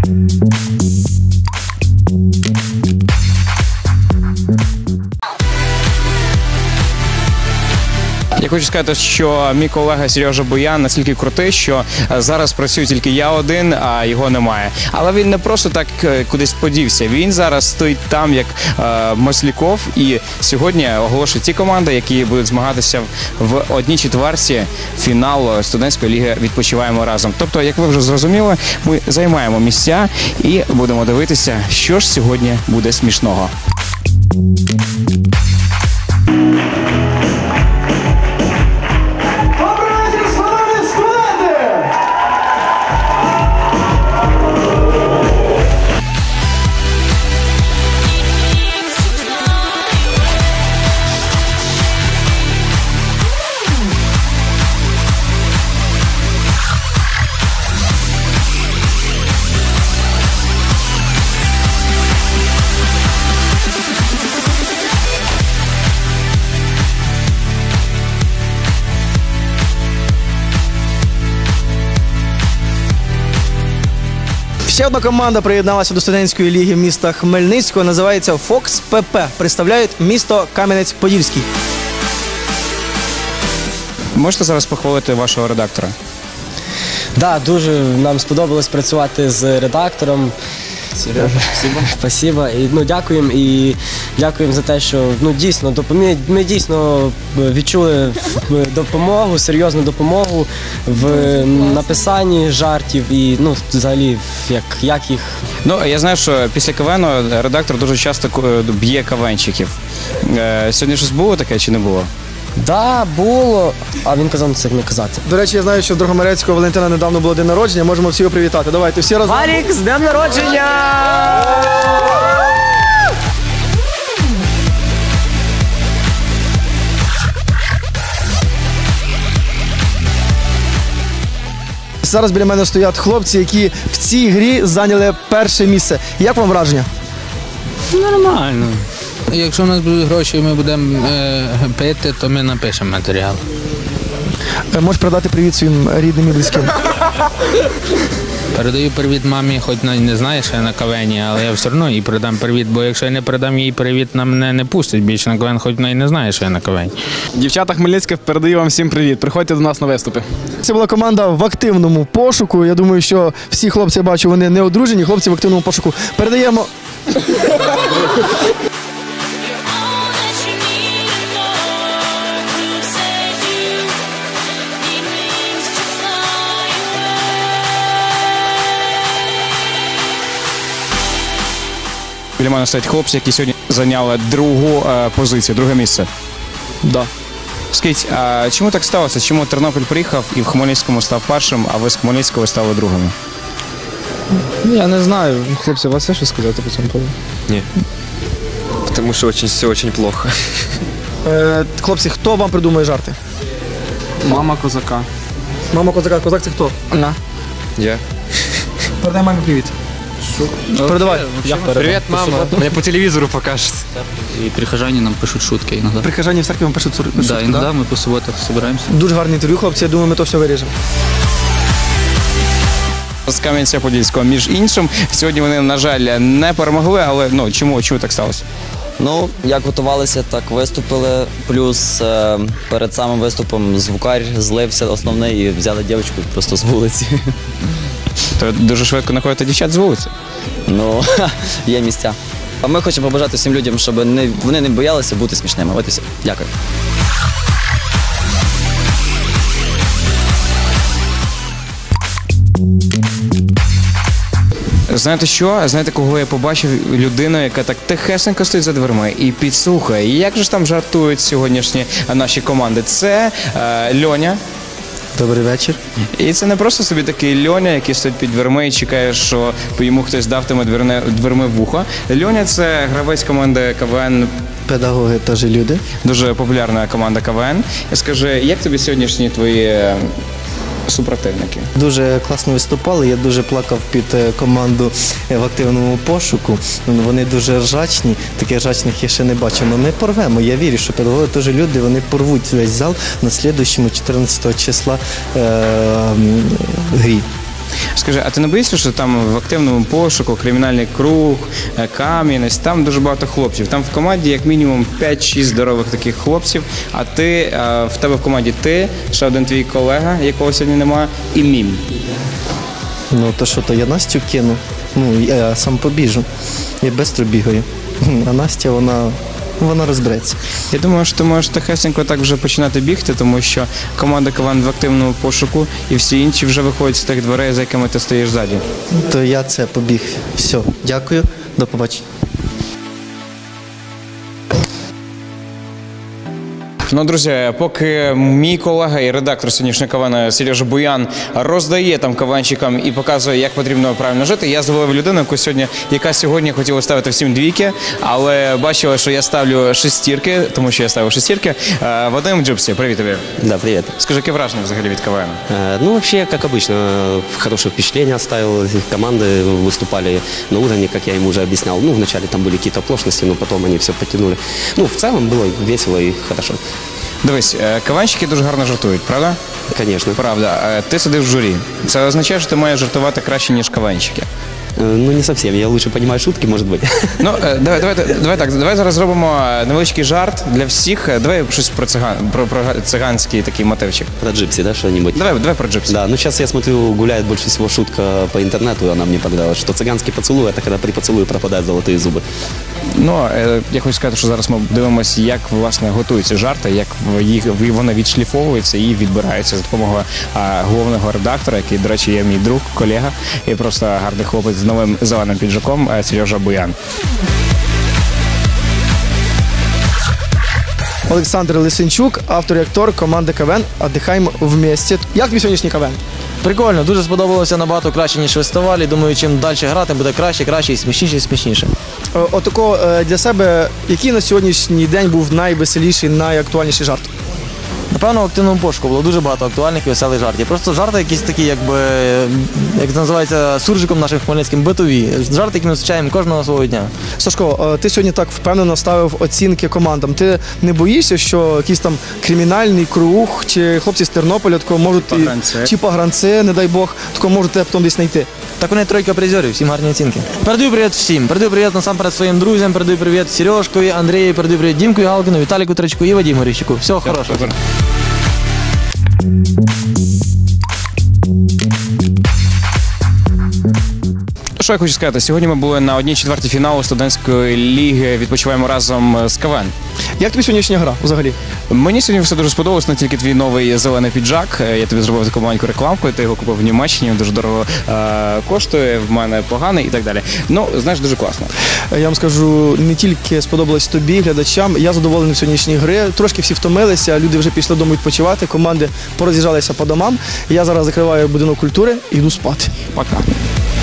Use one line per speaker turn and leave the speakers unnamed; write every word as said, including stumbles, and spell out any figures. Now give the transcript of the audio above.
Я хочу сказати, що мій колега Сережа Буян настільки крутий, що зараз працюю тільки я один, а його немає. Але він не просто так кудись подівся. Він зараз стоїть там, як е, Масляков, і сьогодні оголошує ті команди, які будуть змагатися в одній четверті фіналу студентської ліги «Відпочиваємо разом». Тобто, як ви вже зрозуміли, ми займаємо місця і будемо дивитися, що ж сьогодні буде смішного.
Ще одна команда приєдналася до студентської ліги міста Хмельницького. Називається «Фокс ПП». Представляють місто Кам'янець-Подільський.
Можете зараз похвалити вашого редактора?
Так, да, дуже нам сподобалось працювати з редактором.
Сережа, спасибо.
Спасибо. І, ну, дякуємо і дякуємо за те, що ну, дійсно, ми, ми дійсно відчули допомогу, серйозну допомогу в написанні жартів і ну, взагалі, як, як їх...
Ну, я знаю, що після КВНу редактор дуже часто б'є КВНщиків. Сьогодні щось було таке чи не було?
Так, да, було, а він казав це не казати.
До речі, я знаю, що в Дрогомерецького Валентина недавно було день народження, можемо всі його привітати. Давайте, всі разом.
Валік, з днем народження!
Зараз біля мене стоять хлопці, які в цій грі зайняли перше місце. Як вам враження?
Нормально. Якщо у нас будуть гроші і ми будемо е, пити, то ми напишемо матеріал.
Можеш передати привіт своїм рідним і близьким?
Передаю привіт мамі, хоч не знає, що я на КВНі, але я все одно їй передам привіт, бо якщо я не передам їй привіт, на мене не пустять більше на КВН, хоч вона і не знає, що я на КВНі.
Дівчата Хмельницьких, передаю вам всім привіт. Приходьте до нас на виступи.
Це була команда в активному пошуку. Я думаю, що всі хлопці, я бачу, вони не одружені, хлопці в активному пошуку. Передаємо...
Біля мене стоять хлопці, які сьогодні зайняли другу е, позицію, друге місце.
Да.
Скажіть, а чому так сталося? Чому Тернопіль приїхав і в Хмельницькому став першим, а ви з Хмельницького стали другими?
Я не знаю. Хлопці, у вас є що сказати по цьому поводу?
Ні. Тому що очень, все дуже плохо.
Е, хлопці, хто вам придумує жарти?
Мама козака.
Мама козака. Козак це хто?
На.
Я.
Передай мамі привіт. Передавай.
Привіт, мама. Мене по телевізору покажуть.
И прихожане нам пишут шутки иногда.
Прихожане в церкві вам пишуть шутки,
Да, иногда да? мы по субботах собираемся.
Дуже гарне інтерв'ю, хлопці, я думаю, ми то все виріжемо.
З Кам'янця-Подільського, між іншим. Сьогодні вони, на жаль, не перемогли, але ну, чому, чому так сталося?
Ну, як готувалися, так виступили. Плюс е, перед самим виступом звукар злився основний і взяли дівчинку просто з вулиці.
То дуже швидко знаходите дівчат з вулиці?
Ну, є місця. А ми хочемо побажати всім людям, щоб не, вони не боялися бути смішними. От і все. Дякую.
Знаєте що? Знаєте, кого я побачив? Людину, яка так тихесенько стоїть за дверми і підслухає. І як же ж там жартують сьогоднішні наші команди? Це е, Льоня.
Добрий вечір.
І це не просто собі такий Льоня, який стоїть під дверми і чекає, що йому хтось давтиме дверне, дверми в ухо. Льоня – це гравець команди КВН.
Педагоги теж люди.
Дуже популярна команда КВН. Скажи, як тобі сьогоднішні твої супротивники?
Дуже класно виступали, я дуже плакав під команду в активному пошуку. Вони дуже ржачні, таких ржачних я ще не бачив. Але ми порвемо, я вірю, що педагоги теж люди, вони порвуть весь зал на слідуючому чотирнадцятого числа е- грі.
Скажи, а ти не боїшся, що там в активному пошуку, кримінальний круг, е, Кам'янець, там дуже багато хлопців. Там в команді як мінімум п'ять-шість здорових таких хлопців, а ти, е, в тебе в команді ти, ще один твій колега, якого сьогодні немає, і Мім.
Ну то що, то я Настю кину. Ну, я сам побіжу. Я швидко бігаю. А Настя, вона, вона розбереться.
Я думаю, що ти можеш тихесенько так вже починати бігти, тому що команда КВН в активному пошуку і всі інші вже виходять з тих дверей, за якими ти стоїш ззаді.
То я це побіг. Все, дякую, до побачення.
Ну, друзі, поки мій колега і редактор сьогоднішнього КВН Сережа Буян роздає там КВНщикам і показує, як потрібно правильно жити, я зловив людину, яку сьогодні, яка сьогодні хотіла ставити всім двійки, але бачила, що я ставлю шестірки, тому що я ставив шестірки. Е, Вадим Джупсі, привіт тобі.
Да, привет.
Скажи, яке враження взагалі від КВН?
Э, Ну, вообще, как обычно, хорошее впечатление оставил. Команды выступали на уровне, как я им уже объяснял. Ну, вначале там были какие-то оплошности, но потом они все подтянули. Ну, в целом было весело и хорошо.
Дивись, е, КВНщики дуже гарно жартують, правда?
Конечно.
Правда. Е, Ти сидиш в журі. Це означає, що ти маєш жартувати краще, ніж КВНщики.
Э, Ну, не совсем. Я лучше понимаю шутки, может быть.
Ну, е, давай, давай, давай так, давай зараз зробимо невеличкий жарт для всіх. Е, Давай щось про циган, про, про циганський такий мотивчик.
Про Джипси, да, что-нибудь?
Давай, давай про Джипси.
Да, ну сейчас я смотрю, гуляет больше всего шутка по интернету, она мне понравилась, что цыганский поцелуй, это когда при поцелуе пропадают золотые зубы.
Ну, е, я хочу сказати, що зараз ми дивимося, як, власне, готуються жарти, як в- їх, в- вони відшліфовуються і відбираються за допомогою а, головного редактора, який, до речі, є мій друг, колега, і просто гарний хлопець з новим зеленим піджаком, е, Сережа Буян.
Олександр Лисенчук, автор і актор команди КВН «Отдихаємо вместе». Як тобі сьогоднішній КВН?
Прикольно, дуже сподобалося, набагато краще, ніж фестивалі. Думаю, чим далі грати, буде краще, краще, і смішніше, і смішніше.
Е, Отако е, для себе, який на сьогоднішній день був найвеселіший, найактуальніший жарт?
Напевно, в активному пошуку було дуже багато актуальних і веселих жартів. Просто жарти якісь такі, якби, як це називається, суржиком нашим хмельницьким, битові. Жарти, які ми зустрічаємо кожного свого дня.
Сашко, е, ти сьогодні так впевнено ставив оцінки командам. Ти не боїшся, що якийсь там кримінальний круг чи хлопці з Тернополя такого можуть і-
Погранці.
чи погранці, не дай Бог, такого можуть тебе потім десь знайти?
Так вони тройка призерів, всім гарні оцінки. Передаю привіт всім. Передаю привіт насамперед своїм друзям, передаю привіт Сережкові, Андрію, передаю привіт Дімку Галкіну, Віталіку Тричку і Вадиму Горіщику. Всього хорошого.
Що я хочу сказати? Сьогодні ми були на одній четвертій фіналу студентської ліги «Відпочиваємо разом» з КВН.
Як тобі сьогоднішня гра взагалі?
Мені сьогодні все дуже сподобалось, не тільки твій новий зелений піджак. Е, Я тобі зробив таку маленьку рекламку, ти його купив в Німеччині, він дуже дорого е, коштує, в мене поганий і так далі. Ну, знаєш, дуже класно.
Я вам скажу, не тільки сподобалось тобі, глядачам, я задоволений в сьогоднішній гри. Трошки всі втомилися, люди вже пішли додому відпочивати, команди пороз'їжджалися по домам. Я зараз закриваю будинок культури і йду спати.
Пока.